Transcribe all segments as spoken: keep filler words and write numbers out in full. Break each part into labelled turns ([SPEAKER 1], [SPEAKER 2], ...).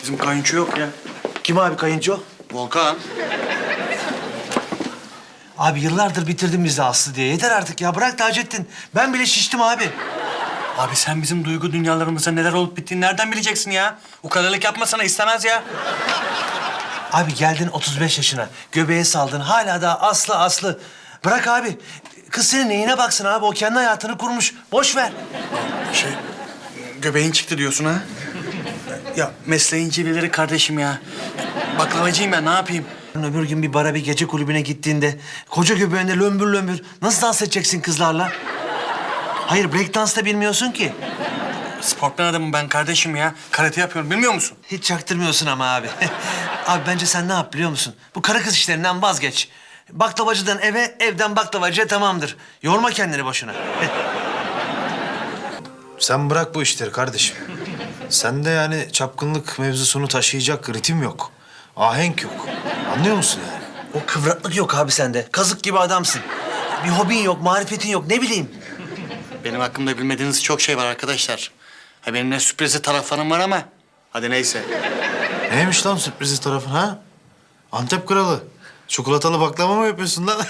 [SPEAKER 1] Bizim kayınço yok ya.
[SPEAKER 2] Kim abi kayınço?
[SPEAKER 1] Volkan.
[SPEAKER 2] Abi yıllardır bitirdin bizi Aslı diye. Yeter artık ya. Bırak Taceddin. Ben bile şiştim abi.
[SPEAKER 1] Abi sen bizim duygu dünyalarımızda neler olup bittiğini nereden bileceksin ya? Ukalalık yapmasana istemez ya.
[SPEAKER 2] Abi geldin otuz beş yaşına. Göbeğe saldın. Hala da Aslı Aslı. Bırak abi. Kız senin neyine baksın abi? O kendi hayatını kurmuş. Boş ver.
[SPEAKER 1] Şey, göbeğin çıktı diyorsun ha? Ya mesleğin cilveleri kardeşim ya. Baklavacıyım ben, ne yapayım?
[SPEAKER 2] Öbür gün bir bara bir gece kulübüne gittiğinde koca göbeğinde lömbür lömbür nasıl dans edeceksin kızlarla? Hayır break dans da bilmiyorsun ki.
[SPEAKER 1] Sportman adamım ben kardeşim ya. Karate yapıyorum, bilmiyor musun?
[SPEAKER 2] Hiç çaktırmıyorsun ama abi. Abi bence sen ne yap biliyor musun? Bu karı kız işlerinden vazgeç. Baklavacıdan eve, evden baklavacıya tamamdır. Yorma kendini boşuna.
[SPEAKER 3] Sen bırak bu işleri kardeşim. Sende yani çapkınlık mevzusunu taşıyacak ritim yok. Ahenk yok. Anlıyor musun yani?
[SPEAKER 2] O kıvraklık yok abi sende. Kazık gibi adamsın. Bir hobin yok, marifetin yok. Ne bileyim.
[SPEAKER 1] Benim hakkımda bilmediğiniz çok şey var arkadaşlar. Ha benim ne sürprizi taraflarım var ama hadi neyse.
[SPEAKER 3] Neymiş lan sürprizi tarafın ha? Antep kralı. Çikolatalı baklava mı yapıyorsun lan?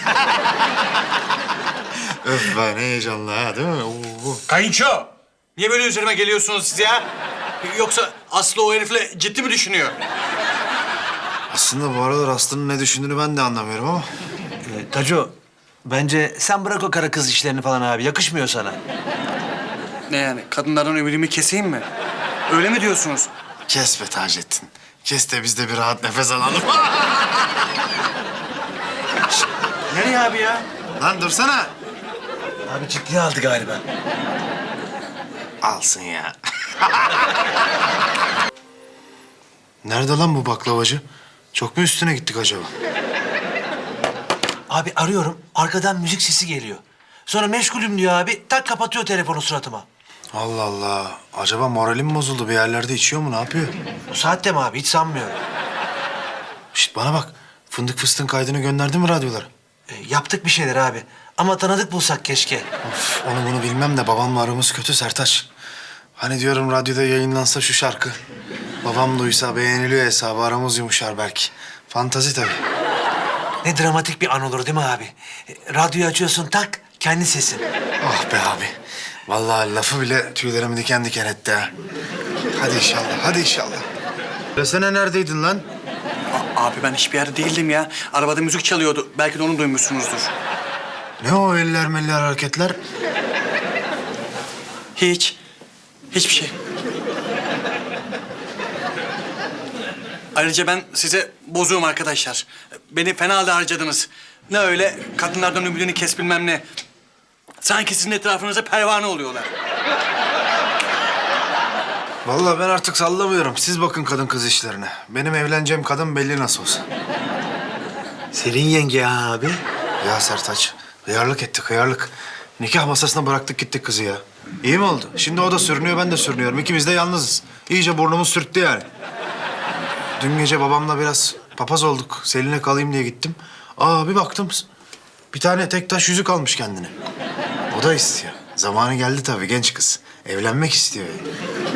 [SPEAKER 3] Öf be ne heyecanlı ha değil mi? Oo.
[SPEAKER 1] Kayınço! Niye böyle üzerime geliyorsunuz siz ya? Yoksa Aslı o herifle ciddi mi düşünüyor?
[SPEAKER 3] Aslında bu aralar Aslı'nın ne düşündüğünü ben de anlamıyorum ama.
[SPEAKER 2] Ee, Taco, bence sen bırak o karı kız işlerini falan abi. Yakışmıyor sana.
[SPEAKER 1] Ne yani? Kadınlardan ümidimi keseyim mi? Öyle mi diyorsunuz?
[SPEAKER 3] Kes be Taceddin. Kes de biz de bir rahat nefes alalım.
[SPEAKER 2] Nereye abi ya?
[SPEAKER 3] Lan dursana.
[SPEAKER 2] Abi ciddiye aldı galiba.
[SPEAKER 3] Alsın ya. Nerede lan bu baklavacı? Çok mu üstüne gittik acaba?
[SPEAKER 2] Abi arıyorum, arkadan müzik sesi geliyor. Sonra meşgulüm diyor abi, tak kapatıyor telefonu suratıma.
[SPEAKER 3] Allah Allah. Acaba moralim mi bozuldu? Bir yerlerde içiyor mu? Ne yapıyor?
[SPEAKER 2] Bu saatte mi abi? Hiç sanmıyorum.
[SPEAKER 3] Şişt bana bak. Fındık fıstığın kaydını gönderdin mi radyolara?
[SPEAKER 2] E, yaptık bir şeyler abi. Ama tanıdık bulsak keşke.
[SPEAKER 3] Of, onu bunu bilmem de babamla aramız kötü Sertaç. Hani diyorum radyoda yayınlansa şu şarkı. Babam duysa beğeniliyor hesabı aramız yumuşar belki. Fantazi tabii.
[SPEAKER 2] Ne dramatik bir an olur değil mi abi? E, radyoyu açıyorsun tak, kendi sesin.
[SPEAKER 3] Ah be abi. Vallahi lafı bile tüylerimi diken diken etti ha. Hadi inşallah, hadi inşallah. Desene neredeydin lan?
[SPEAKER 1] A- abi ben hiçbir yerde değildim ya. Arabada müzik çalıyordu. Belki de onu duymuşsunuzdur.
[SPEAKER 3] Ne o eller meller hareketler?
[SPEAKER 1] Hiç. Hiçbir şey. Ayrıca ben size bozuğum arkadaşlar. Beni fena halde harcadınız. Ne öyle kadınlardan ümidini kes bilmem ne. Sanki sizin etrafınıza pervane oluyorlar.
[SPEAKER 3] Vallahi ben artık sallamıyorum. Siz bakın kadın kız işlerine. Benim evleneceğim kadın belli nasıl olsa.
[SPEAKER 2] Selin yenge ya abi.
[SPEAKER 3] Ya Sertaç, hıyarlık ettik, hıyarlık. Nikah masasına bıraktık gittik kızı ya. İyi mi oldu? Şimdi o da sürünüyor, ben de sürünüyorum. İkimiz de yalnızız. İyice burnumuz sürttü yani. Dün gece babamla biraz papaz olduk. Selin'e kalayım diye gittim. Aa bir baktım, bir tane tek taş yüzük almış kendine. O da istiyor. Zamanı geldi tabii genç kız. Evlenmek istiyor yani.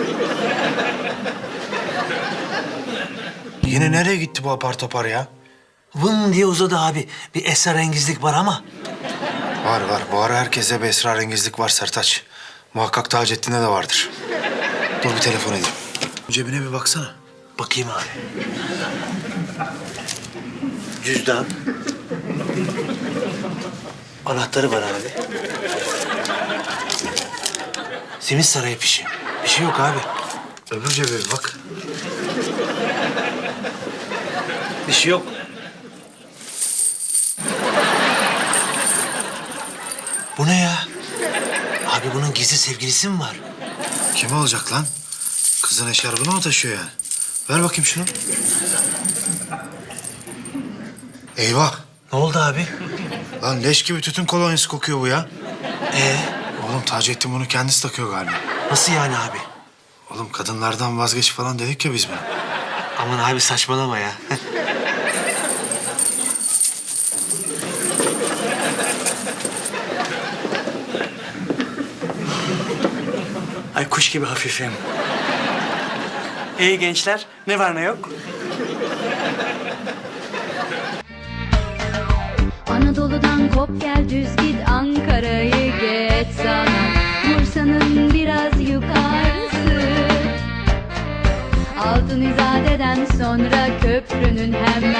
[SPEAKER 3] Yine nereye gitti bu apar topar ya?
[SPEAKER 2] Vın diye uzadı abi. Bir esrarengizlik var ama.
[SPEAKER 3] Var var. Bu ara herkese bir esrarengizlik var Sertaç. Muhakkak Taceddin'de de vardır. Dur bir telefon edeyim. Cebine bir baksana.
[SPEAKER 2] Bakayım abi. Cüzdan. Anahtarı var abi. Simit Sarayı fişi. Bir şey yok abi.
[SPEAKER 3] Öbür cebe bir bak.
[SPEAKER 2] Bir şey yok. Bu ne ya? Abi bunun gizli sevgilisi mi var?
[SPEAKER 3] Kim olacak lan? Kızın eşarbını mı taşıyor yani? Ver bakayım şunu. Eyvah.
[SPEAKER 2] Ne oldu abi?
[SPEAKER 3] Lan leş gibi tütün kolonyası kokuyor bu ya.
[SPEAKER 2] Ee,
[SPEAKER 3] Oğlum Taceddin bunu kendisi takıyor galiba.
[SPEAKER 2] nasıl yani abi?
[SPEAKER 3] Oğlum kadınlardan vazgeç falan dedik ya biz buna.
[SPEAKER 2] Aman abi saçmalama ya.
[SPEAKER 1] Ay kuş gibi hafifim. İyi gençler. Ne var ne yok?
[SPEAKER 4] Anadolu'dan kop gel düz git Ankara'yı geç sana Bursa'nın biraz yukarısı Altın İzade'den sonra köprünün hemen